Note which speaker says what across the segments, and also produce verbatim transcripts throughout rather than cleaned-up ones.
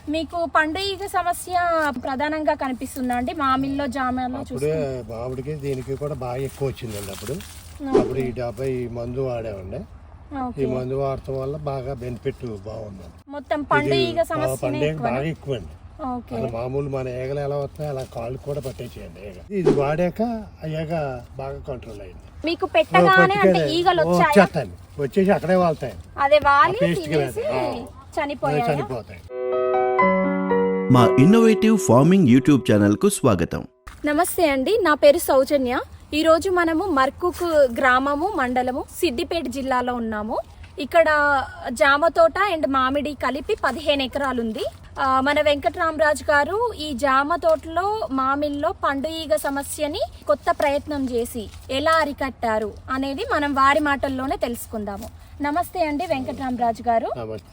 Speaker 1: మీకు పండుగ సమస్య ప్రధానంగా కనిపిస్తుందా అండి మామిడిలో జామలో?
Speaker 2: అప్పుడే మామిడికి దీనికి కూడా బాగా ఎక్కువ వచ్చిందండి. అప్పుడు అప్పుడు ఈ డెబ్బై మందు వాడేవండి. ఈ మందు వాడటం వల్ల బాగా బెనిఫిట్ బాగుంది.
Speaker 1: మొత్తం పండుగ సమస్య
Speaker 2: బాగా ఎక్కువ అండి. మామూలు మన ఏగలు ఎలా వస్తాయి అలా కాళ్ళు కూడా పట్టేసేయండి. ఏగ ఇది వాడాక అయ్యాక బాగా కంట్రోల్ అయింది.
Speaker 1: మీకు పెట్టగానే అంటే ఈగలు
Speaker 2: వచ్చేస్తాయి, వచ్చేసి అక్కడే వాళ్తాయి.
Speaker 1: అదే వాలి చనిపోయాయి
Speaker 2: చనిపోతాయి.
Speaker 3: మా ఇన్నోవేటివ్ ఫార్మింగ్ యూట్యూబ్ ఛానల్ కు స్వాగతం.
Speaker 1: నమస్తే అండి, నా పేరు సౌజన్య. ఈరోజు మనము మర్కుక్ గ్రామము మండలము సిద్దిపేట జిల్లాలో ఉన్నాము. ఇక్కడ జామ తోట అండ్ మామిడి కలిపి పదిహేను ఎకరాలు ఉంది. మన వెంకటరామరాజు గారు ఈ జామ తోటలో మామిడిలో పండు ఈగ సమస్యని కొత్త ప్రయత్నం చేసి ఎలా అరికట్టారు అనేది మనం వారి మాటల్లోనే తెలుసుకుందాము. నమస్తే అండి వెంకటరామరాజు గారు.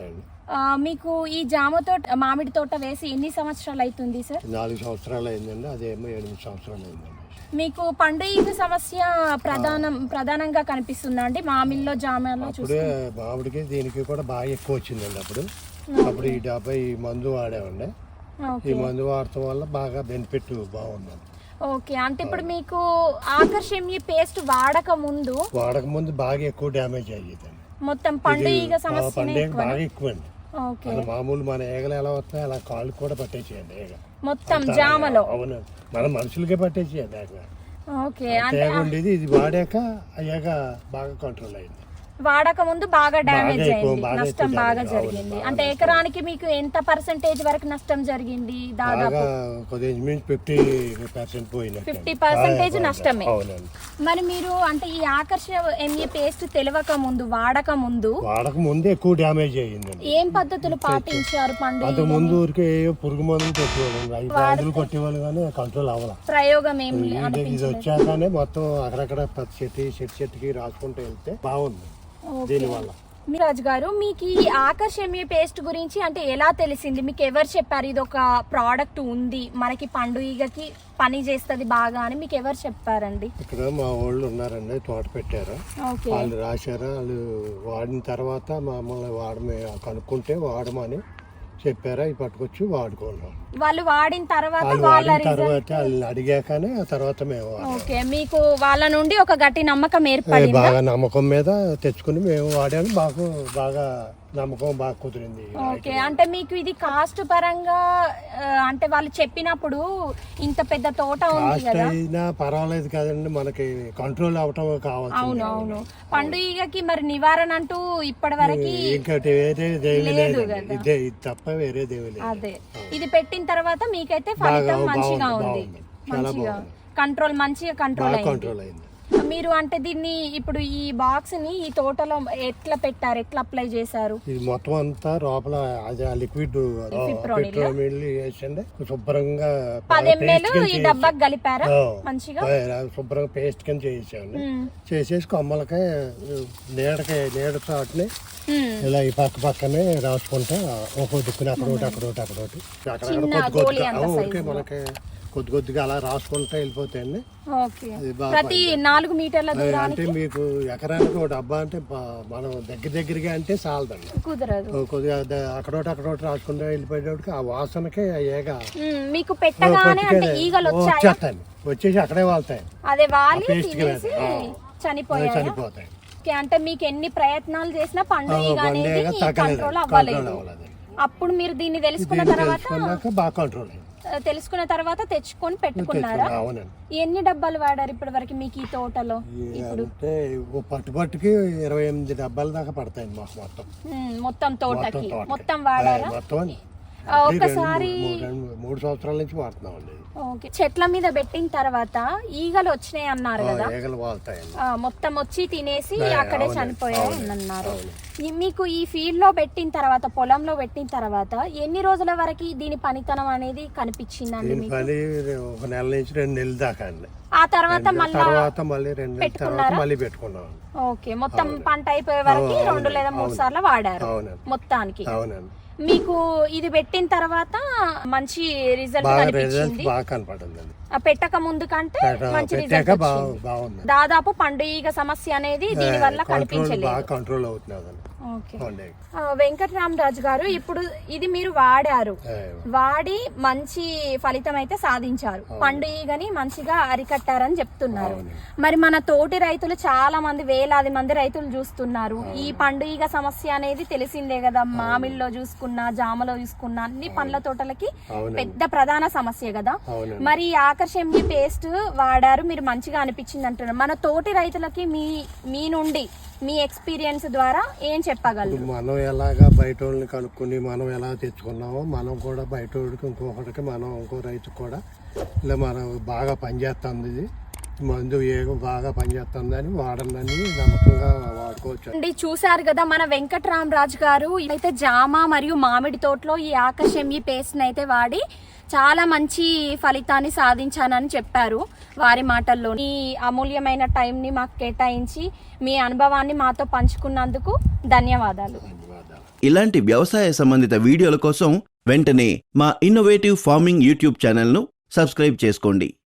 Speaker 1: మీకు ఈ జామ తోట మామిడి తోట వేసి ఎన్ని సంవత్సరాలు అవుతుంది సార్?
Speaker 2: నాలుగు సంవత్సరాలు అయిందండి. అదేమో ఎనిమిది సంవత్సరాలు అయిందండి.
Speaker 1: మీకు పండు ఈగ సమస్య ప్రధానం ప్రధానంగా కనిపిస్తుందా అండి మామిడిలో జామలో?
Speaker 2: అప్పుడే మామిడికి దీనికి కూడా బాగా ఎక్కువ వచ్చిందండి. అప్పుడు అప్పుడు ఈ డెబ్బై మందు వాడేవండి. ఈ మందు వాడటం వల్ల బాగా బెనిఫిట్ బాగుంది.
Speaker 1: ఓకే, అంటే ఇప్పుడు మీకు ఆకర్షణీయ పేస్ట్ వాడక ముందు
Speaker 2: వాడక ముందు బాగా ఎక్కువ డ్యామేజ్ అయ్యేది.
Speaker 1: మొత్తం పండు ఈగ సమస్య
Speaker 2: బాగా ఎక్కువ అండి. మామూలు మన ఏగలు ఎలా వస్తాయి అలా కాళ్ళు కూడా పట్టేసేయండి. ఏగ
Speaker 1: మొత్తం జామలో
Speaker 2: అవును, మన మనుషులకే పట్టేసేయండి.
Speaker 1: ఓకే,
Speaker 2: ఉండేది ఇది వాడాక అయ్యాక బాగా కంట్రోల్ అయింది.
Speaker 1: వాడక ముందు బాగా డ్యామేజ్ అయింది, నష్టం బాగా జరిగింది. అంటే ఎకరానికి మీకు ఎంత పర్సెంటేజ్ వరకు నష్టం జరిగింది? దాదాపు
Speaker 2: ఫిఫ్టీ పర్సెంట్ పోయింది.
Speaker 1: ఫిఫ్టీ పర్సెంటేజ్ నష్టమే. మరి మీరు అంటే ఈ ఆకర్షణ ఎంఏ పేస్ట్ తెలియక ముందు వాడక ముందు
Speaker 2: వాడక ముందు ఎక్కువ డ్యామేజ్ అయ్యింది.
Speaker 1: ఏం పద్ధతులు పాటించారు? పండు
Speaker 2: అంత ముందు ఊరికే పురుగు మందులు కొట్టేవాళ్ళు కొట్టేవాళ్ళు కానీ కంట్రోల్ అవ్వాలి.
Speaker 1: ప్రయోగం ఏం
Speaker 2: ఇది వచ్చాకనే మొత్తం అక్కడక్కడ ప్రతి చెట్టు చెట్టు చెట్టుకి రాసుకుంటూ వెళ్తే బాగుంది. దీనివల్ల
Speaker 1: రాజు గారు, మీకు ఈ ఆకర్షణీయ పేస్ట్ గురించి అంటే ఎలా తెలిసింది? మీకు ఎవరు చెప్పారు ఇది ఒక ప్రోడక్ట్ ఉంది మనకి పండు ఈగకి పని చేస్తుంది బాగా అని? మీకు ఎవరు చెప్పారండి?
Speaker 2: ఇక్కడ మా వాళ్ళు ఉన్నారండి, తోట పెట్టారు. వాళ్ళు రాశారు. వాళ్ళు వాడిన తర్వాత మమ్మల్ని వాడమే కనుక్కుంటే వాడమని చెప్పారా, ఇవి పట్టుకొచ్చి వాడుకున్నాం.
Speaker 1: వాళ్ళు వాడిన తర్వాత
Speaker 2: తర్వాత అడిగాకనే ఆ తర్వాత మేము
Speaker 1: ఓకే, మీకు వాళ్ళ నుండి ఒక గట్టి నమ్మకం ఏర్పడింది.
Speaker 2: బాగా నమ్మకం మీద తెచ్చుకుని మేము వాడాము. బాగా బాగా నమ్మకం బాగా కుదిరింది.
Speaker 1: ఓకే, అంటే మీకు ఇది కాస్ట్ పరంగా అంటే వాళ్ళు చెప్పినప్పుడు ఇంత పెద్ద తోట ఉంది కదా,
Speaker 2: అయినా పర్వాలేదు కదండి, మనకి కంట్రోల్ అవటం కావాలి.
Speaker 1: అవును అవును, పండు ఈగకి మరి నివారణ అంటూ ఇప్పటి వరకు
Speaker 2: ఇంకటి వేరే దేవి లేదు, ఇదే ఇది తప్ప వేరే దేవి లేదు.
Speaker 1: అదే, ఇది పెట్టిన తర్వాత మీకైతే ఫలితం మంచిగా ఉంది, మంచిగా కంట్రోల్ మంచిగా కంట్రోల్ అయింది. మీరు అంటే దీన్ని ఇప్పుడు ఈ బాక్స్ ని ఈ తోటలో ఎట్లా పెట్టారు, ఎట్లా అప్లై చేశారు?
Speaker 2: ఇది మొత్తం అంతా లోపల అదే లిక్విడ్ వేసండి, శుభ్రంగా
Speaker 1: పది ఎంఎల్ ఈ డబ్బాకి కలిపారా? మంచిగా
Speaker 2: శుభ్రంగా పేస్ట్ కింద చేసాను. చేసేసి కొమ్మలకి నీడకి నీడ చాటుని ఇలా ఈ పక్క పక్కనే రాసుకుంటా ఒక్కో దిక్కుని అక్కడ ఒకటి అక్కడ ఒకటి అక్కడ ఒకటి అక్కడ కొద్ది కొద్దిగా మనకి కొద్ది కొద్దిగా అలా రాసుకుంటా వెళ్ళిపోతాయండి.
Speaker 1: ప్రతి నాలుగు మీటర్ల
Speaker 2: అంటే మీకు ఎకరానికి ఒక డబ్బా అంటే మనం దగ్గర దగ్గరగా అంటే చాలదండి,
Speaker 1: కుదరదు.
Speaker 2: కొద్దిగా అక్కడోటి అక్కడోటి రాసుకుంటా వెళ్ళిపోయేటప్పటికి ఆ వాసనకే ఏగా
Speaker 1: మీకు పెట్టగానే అంటే ఈగలు
Speaker 2: వచ్చేస్తాయి, వచ్చేసి అక్కడే వాళ్తాయి.
Speaker 1: అదే వాలి చనిపోయాయి
Speaker 2: చనిపోతాయి.
Speaker 1: అంటే మీకు ఎన్ని ప్రయత్నాలు చేసినా పండు ఈగ అనేది కంట్రోల్ అవ్వలేదు. అప్పుడు మీరు దీన్ని తెలుసుకున్న తర్వాత
Speaker 2: బాగా కంట్రోల్
Speaker 1: తెలుసుకున్న తర్వాత తెచ్చుకొని పెట్టుకున్నారా? ఎన్ని డబ్బాలు వాడారు ఇప్పటి వరకు మీకు ఈ తోటలో? ఇప్పుడు
Speaker 2: పట్టుబట్టుకి ఇరవై ఎనిమిది డబ్బాల దాకా పడతాయి మాకు మొత్తం.
Speaker 1: మొత్తం తోటకి మొత్తం వాడారా? ఒకసారి
Speaker 2: మూడు సంవత్సరాల నుంచి వాడుతున్నాం అండి.
Speaker 1: ఓకే, చెట్ల మీద పెట్టిన తర్వాత ఈగలు వచ్చినాయి అన్నారు కదా, మొత్తం వచ్చి తినేసి అక్కడే చనిపోయాయి అన్నారు. మీకు ఈ ఫీల్డ్ లో పెట్టిన తర్వాత, పొలంలో పెట్టిన తర్వాత ఎన్ని రోజుల వరకు దీని పనితనం అనేది కనిపించిందండి?
Speaker 2: ఒక నెల నుంచి రెండు నెలల దాకా అండి.
Speaker 1: ఆ తర్వాత
Speaker 2: మళ్ళీ రెండు నెలల తర్వాత మళ్ళీ పెట్టుకున్నాం.
Speaker 1: ఓకే, మొత్తం పంట అయిపోయే వరకు రెండు లేదా మూడు సార్లు వాడారు మొత్తానికి.
Speaker 2: అవునండి.
Speaker 1: మీకు ఇది పెట్టిన తర్వాత మంచి రిజల్ట్ కనిపించింది? పెట్టక ముందు కంటే మంచి రిజల్ట్ వచ్చింది. దాదాపు పండు ఈగ సమస్య అనేది దీని వల్ల కనిపించలేదు. ఓకే.
Speaker 2: ఉండేవి.
Speaker 1: ఆ, వెంకటరామరాజు గారు ఇప్పుడు ఇది మీరు వాడారు,
Speaker 2: ఏ,
Speaker 1: వాడి మంచి ఫలితం అయితే సాధించారు, పండు ఈగని మంచిగా అరికట్టారని చెప్తున్నారు.
Speaker 2: అవును.
Speaker 1: మరి మన తోటి రైతులు చాలా మంది వేలాది మంది రైతులు చూస్తున్నారు. ఈ పండు ఈగ సమస్య అనేది తెలిసిందే కదా, మామిడిలో చూసుకున్నా జామలో చూసుకున్నా అన్ని పండ్ల తోటలకి
Speaker 2: అవునండి.
Speaker 1: పెద్ద ప్రధాన సమస్య కదా.
Speaker 2: అవునండి.
Speaker 1: మరి ఈ ఆకర్షణ పేస్ట్ వాడారు, మీరు మంచిగా అనిపించింది అంటున్నారు. మన తోటి రైతులకి మీ మీ నుండి మీ ఎక్స్పీరియన్స్ ద్వారా ఏం చెప్పగలరు?
Speaker 2: ఇప్పుడు మనం ఎలాగా బయట వాళ్ళని కనుక్కొని మనం ఎలా తెచ్చుకున్నామో మనం కూడా బయట వాడికి ఇంకొకటికి మనం ఇంకో రైతుకు కూడా ఇలా మనం బాగా పనిచేస్తుంది, ఇది మందు ఏగం బాగా పనిచేస్తుంది అని వాడండి, నమ్మకంగా వాడుకోవచ్చు.
Speaker 1: అండి చూసారు కదా మన వెంకటరామరాజు గారు అయితే జామ మరియు మామిడి తోటలో ఈ ఆకర్షణ పేస్ట్ అయితే వాడి చాలా మంచి ఫలితాన్ని సాధించానని చెప్పారు. వారి మాటల్లో ఈ అమూల్యమైన టైంని మాకు కేటాయించి మీ అనుభవాన్ని మాతో పంచుకున్నందుకు ధన్యవాదాలు.
Speaker 2: ధన్యవాదాలు.
Speaker 3: ఇలాంటి వ్యవసాయ సంబంధిత వీడియోల కోసం వెంటనే మా ఇన్నోవేటివ్ ఫార్మింగ్ యూట్యూబ్ ఛానల్ను సబ్స్క్రైబ్ చేసుకోండి.